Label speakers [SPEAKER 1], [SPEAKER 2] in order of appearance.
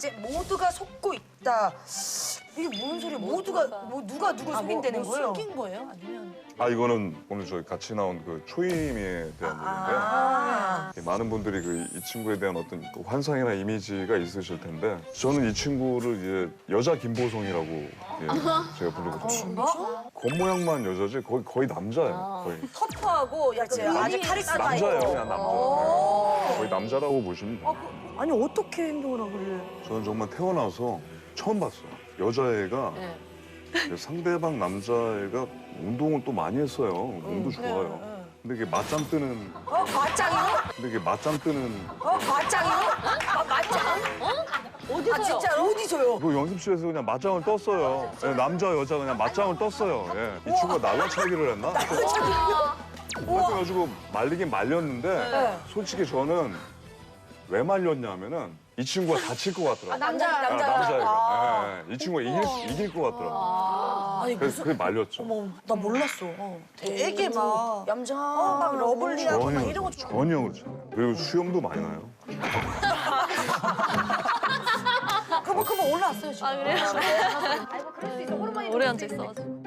[SPEAKER 1] 이제 모두가 속고 있다. 이게 뭔 소리야? 모두가 누가 누굴 속인다는 거예요?
[SPEAKER 2] 숨긴 거예요? 아니면
[SPEAKER 3] 아 이거는 오늘 저희 같이 나온 그 초임에 대한 얘기인데요. 많은 분들이 이 친구에 대한 어떤 그 환상이나 이미지가 있으실 텐데 저는 이 친구를 이제 여자 김보성이라고 제가 부르거든요. 겉모양만 여자지 거의 남자예요. 거의
[SPEAKER 1] 터프하고 약간 아주 카리스마 있고.
[SPEAKER 3] 남자예요, 그냥 남자. 거의 남자라고 보시면 돼요.
[SPEAKER 1] 아니 어떻게 행동을 하고 그래?
[SPEAKER 3] 저는 정말 태어나서 처음 봤어요. 여자애가 상대방 남자애가 운동을 또 많이 했어요. 몸도 좋아요. 근데 이게 맞짱 뜨는
[SPEAKER 1] 맞짱이요?
[SPEAKER 3] 근데 이게 맞짱 뜨는
[SPEAKER 1] 맞짱이요? 맞짱?
[SPEAKER 2] 어디서요?
[SPEAKER 1] 아 진짜로? 어디서요?
[SPEAKER 3] 그 연습실에서 그냥 맞짱을 떴어요. 예, 남자 여자 그냥 맞짱을 떴어요. 예. 이 친구가 날라차기를 했나? 그래가지고 말리긴 말렸는데 솔직히 저는 왜 말렸냐면은 이 친구가 다칠 것 같더라고요. 남자애가. 이 친구가 이길 것 같더라고요.
[SPEAKER 1] 아니
[SPEAKER 3] 그래서 그게 말렸죠.
[SPEAKER 2] 어머, 나 몰랐어. 되게 막
[SPEAKER 1] 얌전하고 막 러블리하고 막 이런 거
[SPEAKER 3] 전혀 그렇지 않아요. 그리고 수염도 많이 나요.
[SPEAKER 1] 그거 올라왔어요 지금.
[SPEAKER 2] 아, 그래요?
[SPEAKER 4] 오래 앉아 있어가지고.